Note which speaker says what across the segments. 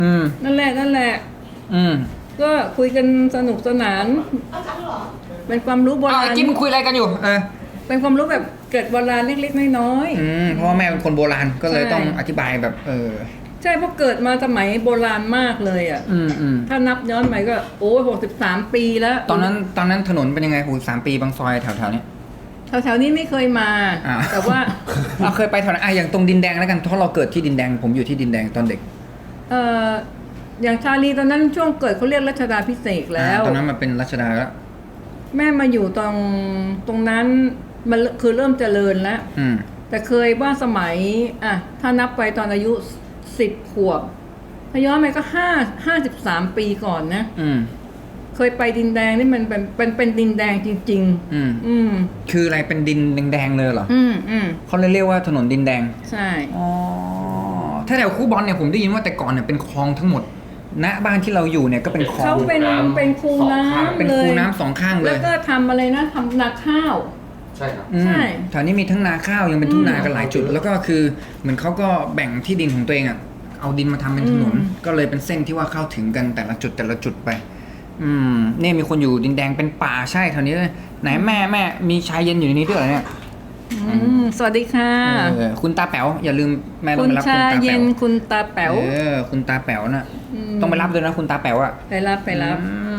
Speaker 1: นั่นแหละ
Speaker 2: อืม
Speaker 1: ก็คุยกันสนุกสนานเป็นความรู้โบราณ
Speaker 2: จิ้มคุยอะไรกันอยู่
Speaker 1: เป็นความรู้แบบเกิดโบราณเล็กๆน้อย
Speaker 2: เพราะว่าแม่เป็นคนโบราณก็เลยต้องอธิบายแบบ
Speaker 1: ใช่เพราะเกิดมาสมัยโบราณมากเลยอ่ะถ้านับย้อนไปก็โอ้63 ปีแล้ว
Speaker 2: ตอนนั้นถนนเป็นยังไง63 ปีบางซอยแถวๆนี้
Speaker 1: แถวๆนี้ไม่เคยมาแต่ว่า
Speaker 2: เราเคยไปแถวนั้นอย่างตรงดินแดงแล้วกันเพราะเราเกิดที่ดินแดงผมอยู่ที่ดินแดงตอนเด็ก
Speaker 1: อย่างชาลีตอนนั้นช่วงเกิดเขาเรียกรัชดาภิเษกแล้ว
Speaker 2: ตอนนั้นมันเป็นรัชดาแล้ว
Speaker 1: แม่มาอยู่ตรงนั้นมันคือเริ่มเจริญแล้วแต่เคยว่าสมัยถ้านับไปตอนอายุ10 ขวบถ้าย้อนไปก็53 ปีก่อนนะเคยไปดินแดงนี่มันเป็นดินแดงจริงๆ
Speaker 2: คืออะไรเป็นดินแดงๆเลยเหรอเขาเลยเรียกว่าถนนดินแดง
Speaker 1: ใช่
Speaker 2: ถ้าแถวคูบอลเนี่ยผมได้ยินว่าแต่ก่อนเนี่ยเป็นคลองทั้งหมดณบ้านที่เราอยู่เนี่ยก็เป็นคลอง
Speaker 1: เขาเป็นคูน้ำ
Speaker 2: เป็นคูน้ำ2 ข้างเลย
Speaker 1: แล้วก็ทำอะไรนะทำนาข้าว
Speaker 3: ใช่ครับ
Speaker 1: ใช่
Speaker 2: แถวนี้มีทั้งนาข้าวยังเป็นทุ่งนากันหลายจุดแล้วก็คือเหมือนเขาก็แบ่งที่ดินของตัวเองเอาดินมาทำเป็นถนนก็เลยเป็นเส้นที่ว่าเข้าถึงกันแต่ละจุดไปเนี่ยมีคนอยู่ดินแดงเป็นป่าใช่แถวนี้เลยไหนแม่มีชายเย็นอยู่ในนี้ด้วยเหรอเนี่ย
Speaker 1: สวัสดีค่ะ
Speaker 2: คุณตาแป๋วอย่าลืมแม่ต้องไปรับ
Speaker 1: คุณตาแป๋วคุณตาแป๋ว
Speaker 2: คุณตาแป๋วน่ะต้องไปรับด้วยนะคุณตาแป๋ว
Speaker 1: ไปรับ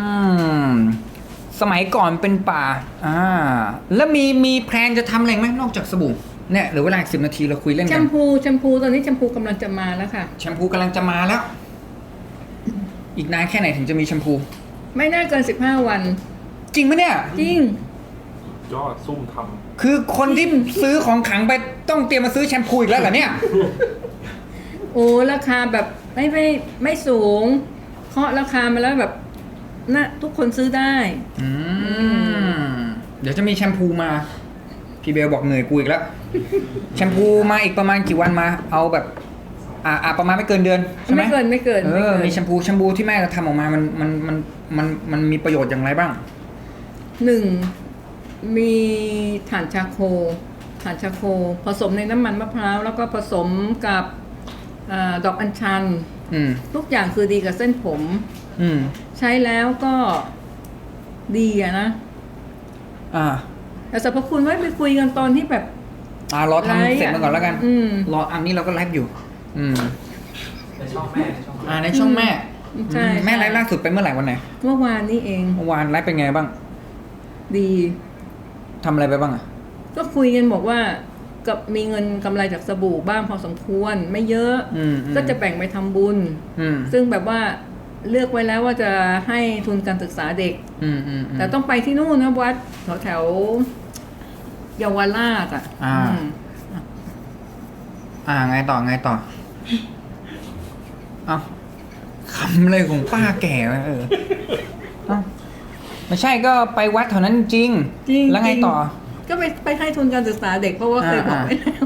Speaker 2: สมัยก่อนเป็นป่าแล้วมีแพลนจะทำอะไรไหมนอกจากสบู่เนี่ยหรือเวลา10 นาทีเราคุยเล่นกัน
Speaker 1: แชมพูตอนนี้แชมพูกำลังจะมาแล้วค่ะ
Speaker 2: แชมพูกำลังจะมาแล้วอีกนานแค่ไหนถึงจะมีแชมพู
Speaker 1: ไม่น่าเกิน15 วัน
Speaker 2: จริงไหมเนี่ย
Speaker 1: จริง
Speaker 3: ยอดซุ่มทำ
Speaker 2: คือคนที่ซื้อของขังไปต้องเตรียมมาซื้อแชมพูอีกแล้วเหรอเนี่ย
Speaker 1: โอ้ราคาแบบไม่สูงเคาะราคามาแล้วแบบน่ะทุกคนซื้อได้
Speaker 2: เดี๋ยวจะมีแชมพูมาพี่เบลบอกเหนื่อยกูอีกแล้วแชมพูมาอีกประมาณกี่วันมาเอาแบบประมาณไม่เกินเดือนใช่ไหม
Speaker 1: ไม่เกิน
Speaker 2: มีแชมพูที่แม่ทำออกมามันมีประโยชน์อย่างไรบ้าง
Speaker 1: 1มีถ่านชาโคผสมในน้ำมันมะพร้าวแล้วก็ผสมกับดอกอัญชันทุกอย่างคือดีกับเส้นผมใช้แล้วก็ดีนะแต่สรรพคุณไว้ไปคุยกันตอนที่แบบ
Speaker 2: รอทำเสร็จมาก่อนแล้วกันรออันนี้เราก็ไลฟ์อยู่
Speaker 3: ในช่องแม่
Speaker 2: ในช่องแม่
Speaker 1: ใช่
Speaker 2: แม่ไลฟ์ล่าสุดไปเมื่อไหร่วันไหน
Speaker 1: เมื่อวานนี้เอง
Speaker 2: เมื่อวานไลฟ์เป็นไงบ้าง
Speaker 1: ดี
Speaker 2: ทำอะไรไปบ้าง
Speaker 1: ก็คุยกันบอกว่ากับมีเงินกำไรจากสบู่บ้างพอสมควรไม่เยอะก็จะแบ่งไปทำบุญซึ่งแบบว่าเลือกไว้แล้วว่าจะให้ทุนการศึกษาเด็กแต่ต้องไปที่นู่นนะวัดแถวเยาวราช
Speaker 2: ไงต่อเอาคำเลยของป้าแก่ไม่ใช่ก็ไปวัดแถวนั้นจริงแล้วไงต่อ
Speaker 1: ก็ไปให้ทุนการศึกษาเด็กเพราะว่าเคยบอกไว้แล้ว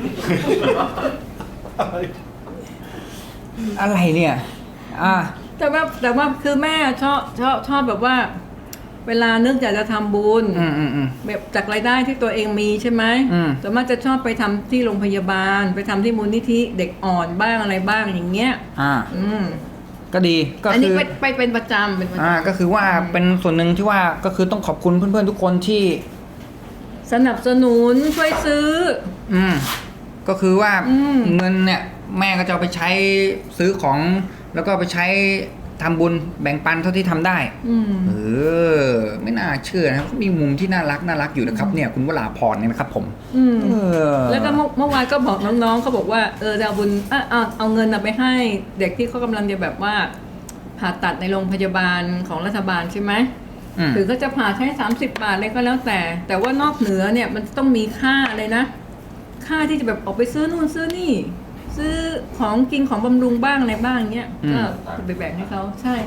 Speaker 2: อะไรเนี่ย
Speaker 1: แต่ว่าคือแม่ชอบแบบว่าเวลานึกอยากจะทำบุญแบบจากรายได้ที่ตัวเองมีใช่ไหมแต่มันจะชอบไปทำที่โรงพยาบาลไปทำที่มูลนิธิเด็กอ่อนบ้างอะไรบ้างอย่างเงี้ย
Speaker 2: ก็ดีก็
Speaker 1: คืออันนี้ไปเป็นประจำ
Speaker 2: ก็คือว่าเป็นส่วนหนึ่งที่ว่าก็คือต้องขอบคุณเพื่อนๆทุกคนที่
Speaker 1: สนับสนุนช่วยซื้อ
Speaker 2: ก็คือว่าเงินเนี่ยแม่ก็จะเอาไปใช้ซื้อของแล้วก็ไปใช้ทำบุญแบ่งปันเท่าที่ทำได้ไม่น่าเชื่อนะครับมีมุมที่น่ารักอยู่นะครับเนี่ยคุณวราพรเนี่ยนะครับผม
Speaker 1: แล้วก็เมื่อวานก็บอกน้องๆเขาบอกว่าจะเอาบุญเอาเงินไปให้เด็กที่เขากำลังจะแบบว่าผ่าตัดในโรงพยาบาลของรัฐบาลใช่ไหมหรือก็จะผ่าใช้30 บาทอะไรก็แล้วแต่ว่านอกเหนือเนี่ยมันต้องมีค่าเลยนะค่าที่จะแบบออกไปซื้อนู่นซื้อนี่ซื้อของกินของบำรุงบ้างอะไรบ้างเงี้ยก็ไปแบ่งให้เขาใช่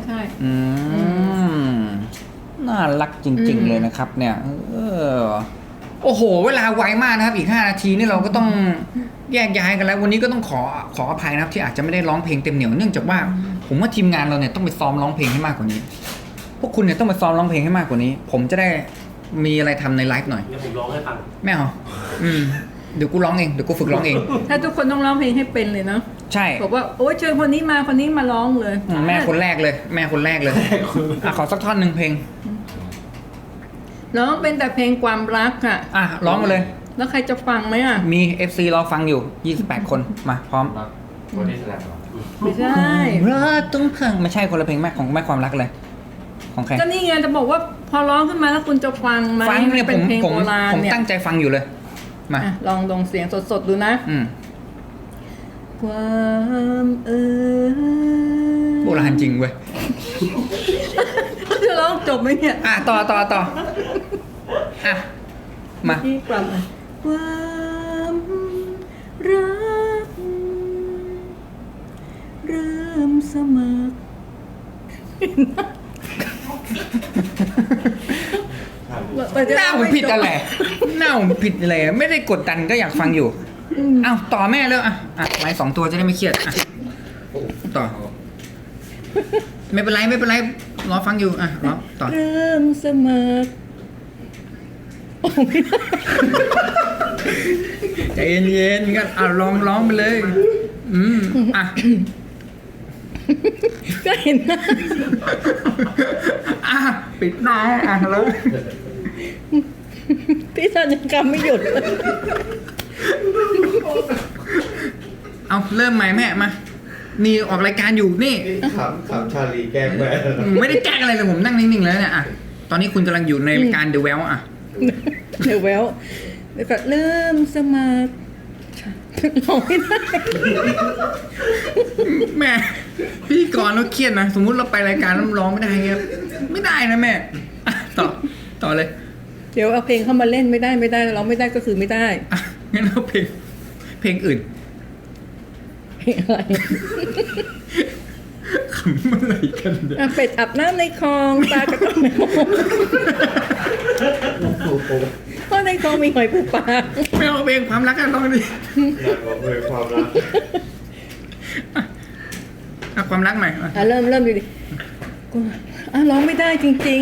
Speaker 2: น่ารักจริงๆเลยนะครับเนี่ยโอ้โหเวลาไวมากนะครับอีก5 นาทีนี่เราก็ต้องแยกย้ายกันแล้ววันนี้ก็ต้องขออภัยนะครับที่อาจจะไม่ได้ร้องเพลงเต็มเหนียวเนื่องจากว่าผมว่าทีมงานเราเนี่ยต้องไปซ้อมร้องเพลงให้มากกว่านี้พวกคุณเนี่ยต้องไปซ้อมร้องเพลงให้มากกว่านี้ผมจะได้มีอะไรทำในไลฟ์หน่อย
Speaker 3: เดี๋ยวผมร้องให้ฟัง
Speaker 2: ไม่เอาเดี๋ยวกูร้องเองเดี๋ยวกูฝึกร้องเอง
Speaker 1: ถ้าทุกคนต้องร้องเพลงให้เป็นเลยเนาะ
Speaker 2: ใช่
Speaker 1: บอกว่าโอ๊ยเชิญคนนี้มาร้องเลย
Speaker 2: แม่คนแรกเลย แม่คนแรกเลยอ่ะขอสักท่อนหนึ่งเพลง
Speaker 1: ร้องเป็นแต่เพลงความรักอ่ะ
Speaker 2: อ่ะร้องมาเลย
Speaker 1: แล้วใครจะฟังไหมอ่ะ
Speaker 2: มี FC รอฟังอยู่28คนมาพร้อม
Speaker 3: วันนี้แสดงเหรอ
Speaker 1: ไม่ใช่
Speaker 2: รักต้องพังไม่ใช่คนละเพลงแม่ของแม่ความรักเลย ของใคร
Speaker 1: ก็นี่ไงจะบอกว่าพอร้องขึ้นมาแล้วคุณจะฟังไหม
Speaker 2: ฟังเนี่ย
Speaker 1: เป็นเพลง
Speaker 2: ผม
Speaker 1: โบราณ
Speaker 2: ผม
Speaker 1: เนี่ย
Speaker 2: ตั้งใจฟังอยู่เลยมา
Speaker 1: อ่ะลองเสียงสดๆดูนะ ความ
Speaker 2: โบราณจริงเว้ย
Speaker 1: จะร้องจบไหมเนี่ย
Speaker 2: อ่ะต่ออ่ะมา
Speaker 1: ที่กลับมาความรักเริ่มสมัคร
Speaker 2: หน้าผมผิดอะไรหน้าผมผิดอะไรไม่ได้กดดันก็อยากฟังอยู่อ้าวต่อแม่แล้วอ่ะไม้2 ตัวจะได้ไม่เครียดอ่ะต่อไม่เป็นไรรอฟังอยู่อ่ะรอต่อ
Speaker 1: เริ่มสมัคร
Speaker 2: ใจเย็นๆกันลองร้องไปเลยอ่ะ
Speaker 1: ก็เห็นนะ
Speaker 2: อ่ะปิดหน้าอ่ะแล้ว
Speaker 1: พี่สัญญกรรมไม่หยุด
Speaker 2: เอาเริ่มใหม่แม่มานี่ออกรายการอยู่นี่
Speaker 3: ขำชาลีแกล้งแม่
Speaker 2: ไม่ได้แกล้งอะไรเลยผมนั่งนิ่งๆแล้วเนี่ยอ่ะตอนนี้คุณกำลังอยู่ในรายการ The Well อ่ะ
Speaker 1: เดี๋ยวแววแล้วก็เริ่มสมัครร้องไม่ได้
Speaker 2: แม่พธี่กรเราเครียดนะสมมุติเราไปรายการแล้วร้องไม่ได้เงี้ยไม่ได้นะแม่อ่ะต่อเลย
Speaker 1: เดี๋ยวเอาเพลงเข้ามาเล่นไม่ได้ร้องไม่ได้ก็คือไม่ได้
Speaker 2: อ่ะงั้นเอาเพลงอื่น
Speaker 1: เพลงอะไร
Speaker 2: ขำอะไรกันเนี่ย
Speaker 1: อ่ะเป็ดอาบน้ำในคลองปลากระต้องในคลองเพราะในคลองมีหอยปูปลา
Speaker 2: ไม่เอาเพลงความรักกันร้องดิ
Speaker 3: อยากบอกเลยความรัก
Speaker 2: อ่ะความรักหน่อยอ่ะ
Speaker 1: อ่ะเริ่มดูดิกูอ่ะร้องไม่ได้จริง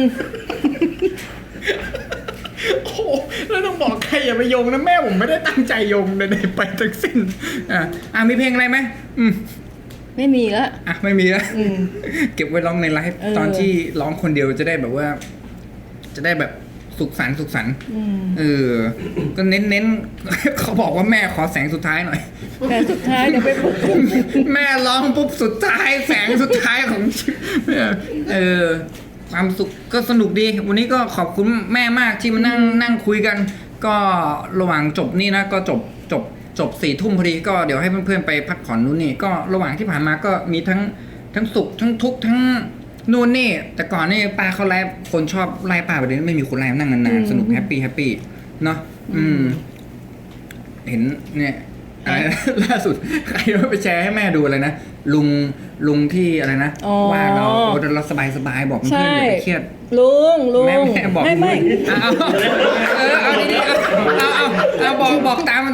Speaker 2: โอ้โหแล้วต้องบอกใครอย่าไปโยงนะแม่ผมไม่ได้ตั้งใจโยงใดๆไปทั้งสิ้นมีเพลงอะไรไหม
Speaker 1: ๆ ไม่มีละ
Speaker 2: อ่ะไม่มีแล้ว
Speaker 1: อืม
Speaker 2: เก็บไว้ร้องในไลฟ์ตอนที่ร้องคนเดียวจะได้แบบว่า จะได้แบบสุขสันต์ก็เน้นเขาบอกว่าแม่ขอแสงสุดท้ายหน่อย
Speaker 1: แต่สุดท้ายเดี๋ยวไปปลุก
Speaker 2: แม่ร้องปุ๊บสุดท้ายแสงสุดท้ายของชีวิตความสุขก็สนุกดี วันนี้ก็ขอบคุณแม่มากที่มานั่งคุยกัน ก็ระหว่างจบนี่นะก็จบ4 ทุ่มพอดีก็เดี๋ยวให้เพื่อนๆไปพักผ่อนนู่นนี่ก็ระหว่างที่ผ่านมาก็มีทั้งสุขทั้งทุกข์ทั้งนู่นนี่แต่ก่อนนี่ป้าเขาไลฟ์คนชอบไล่ป้าไปเลยไม่มีคนไลฟ์นั่งนานๆสนุกแฮปปี้เนาะเห็นเนี่ยอะไรนะ ล่าสุดใครว่าไปแชร์ให้แม่ดูอะไรนะลุงที่อะไรนะว่าเราสบายบอกเพื่อนอย่าไปเครียด
Speaker 1: ลุง
Speaker 2: แม่บอก
Speaker 1: ไม่
Speaker 2: เอาดีๆเอาบอกตาม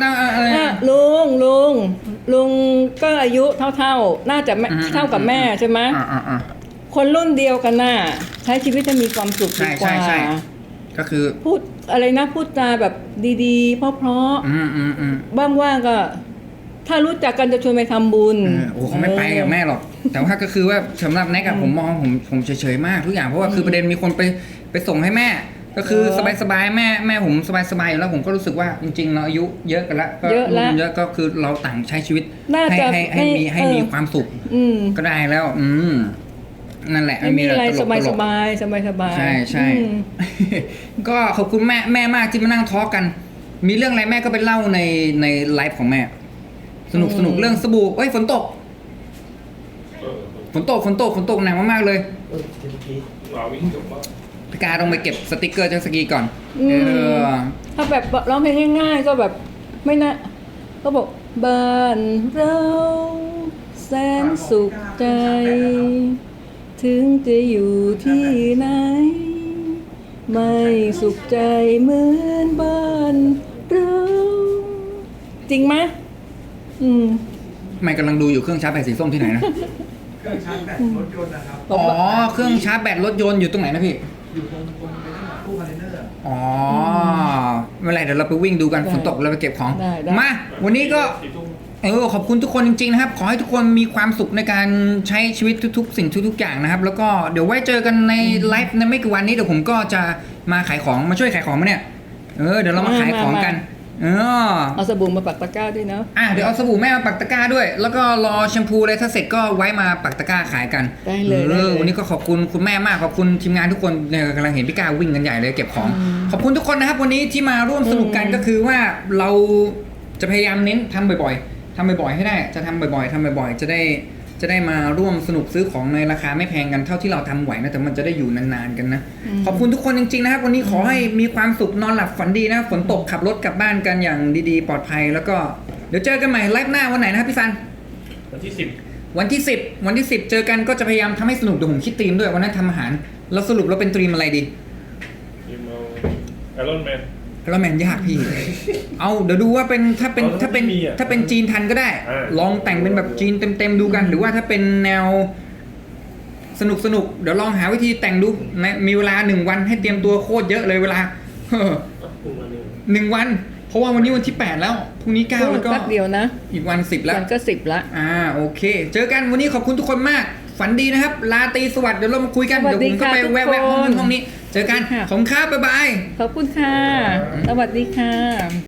Speaker 1: ลุงก็อายุเท่าน่าจะเท่ากับแม่ใช่ไหมคนรุ่นเดียวกันน่ะใช้ชีวิตจะมีความสุขดีกว่า
Speaker 2: ใช่ก็คือ
Speaker 1: พูดอะไรนะพูดจาแบบดีๆเพราะว่างๆก็ ถ้ารู้จักกันจะชวนไปทำบุญ
Speaker 2: เขาไม่ไปกับแม่หรอกแต่ว่าก็คือว่าสำหรับแน็กอะผมมองผมเฉยๆมากทุกอย่างเพราะว่าคือประเด็นมีคนไปส่งให้แม่ก็คือสบายๆแม่ผมสบายๆอยู่แล้วผมก็รู้สึกว่าจริงๆเราอายุเยอะกันแล้วก็เยอะก็คือเราต่างใช้ชีวิตให้มีความสุขก็ได้แล้วนั่นแหละ
Speaker 1: ไม่มีอะไรสบาย
Speaker 2: ใช่ก็ขอบคุณแม่มากที่มานั่งทอล์กกันมีเรื่องอะไรแม่ก็ไปเล่าในไลฟ์ของแม่สนุกเรื่องสบู่ฝนตกหนักมากๆเลยพี่การต้องไปเก็บสติกเกอร์จากสกีก่อน
Speaker 1: ถ้าแบบร้องเพลงง่ายๆก็แบบไม่นะก็บอกบ้านเราแสนสุขใจถึงจะอยู่ที่ไหนไม่สุขใจเหมือนบ้านเราจริงไหม
Speaker 2: ไม่กำลังดูอยู่เครื่องชาร์จแบตสีส้มที่ไหนนะ
Speaker 3: เครื่องชาร์จแบตรถยนต์นะครับ
Speaker 2: เครื่องชาร์จแบตรถยนต์อยู่ตรงไหนนะพี่
Speaker 3: อยู่ตรงตู้คอนเทนเนอร์
Speaker 2: ไม่เป็นไรเดี๋ยวเราไปวิ่งดูกันฝนตกเราไปเก็บของมาวันนี้ก็ขอบคุณทุกคนจริงๆนะครับขอให้ทุกคนมีความสุขในการใช้ชีวิตทุกๆ สิ่งทุกๆอย่างนะครับแล้วก็เดี๋ยวไว้เจอกันในไลฟ์ในไม่กี่วันนี้เดี๋ยวผมก็จะมาขายของมาช่วยขายของมาเนี่ยเดี๋ยวเรามาขายของกัน
Speaker 1: เอาสบู่มาปักตะกร้าด้วยเนาะ
Speaker 2: เดี๋ยวเอาสบู่แม่มาปักตะกร้าด้วยแล้วก็รอแชมพูอะไรถ้าเสร็จก็ไว้มาปักตะกร้าขายกัน
Speaker 1: ได้เลย
Speaker 2: วันนี้ก็ขอบคุณคุณแม่มากขอบคุณทีมงานทุกคนเนี่ยกำลังเห็นพี่ก้าววิ่งกันใหญ่เลยเก็บของขอบคุณทุกคนนะครับวันนี้ที่มาร่วมสนุกกันก็คือว่าเราจะพยายามเน้นทำบ่อยๆให้ได้จะทำบ่อยๆจะได้มาร่วมสนุกซื้อของในราคาไม่แพงกันเท่าที่เราทำไหวนะแต่มันจะได้อยู่นานๆกันนะขอบคุณทุกคนจริงๆนะครับวันนี้ขอให้มีความสุขนอนหลับฝันดีนะฝนตกขับรถกลับบ้านกันอย่างดีๆปลอดภัยแล้วก็เดี๋ยวเจอกันใหม่ไลฟ์หน้าวันไหนนะครับพี่ซัน
Speaker 3: วันที่ 10
Speaker 2: วันที่10เจอกันก็จะพยายามทำให้สนุกเดี๋ยวผมคิดธีมด้วยวันนั้นทำอาหารแล้วสรุปเราเป็นธีมอะไรดี
Speaker 3: ไอรอนแมน
Speaker 2: แล้วแมนยากพี่ เอาเดี๋ยวดูว่าเป็นถ้าเป็นจีนทันก็ได้ ลองแต่งเป็นแบบจีนเต็มๆดูกัน หรือว่าถ้าเป็นแนวสนุกเดี๋ยวลองหาวิธีแต่งดูมีเวลา1 วันให้เตรียมตัวโคตรเยอะเลยเวลา1 วันเพราะว่าวันนี้วันที่8แล้วพรุ่งนี้9แล้วก็
Speaker 1: เดียวนะ
Speaker 2: อีกวัน10แล้ว
Speaker 1: วันก็10ละ
Speaker 2: โอเคเจอกันวันนี้ขอบคุณทุกคนมากฝันดีนะครับลาตรีสวัสดิ์เดี๋ยวเรามาคุยกันเดี๋ยวผมก็ไปแวะห้องนี้เจอกันขอบคุณครับบ๊ายบาย
Speaker 1: ขอบคุณค่ะสวัสดีค่ะ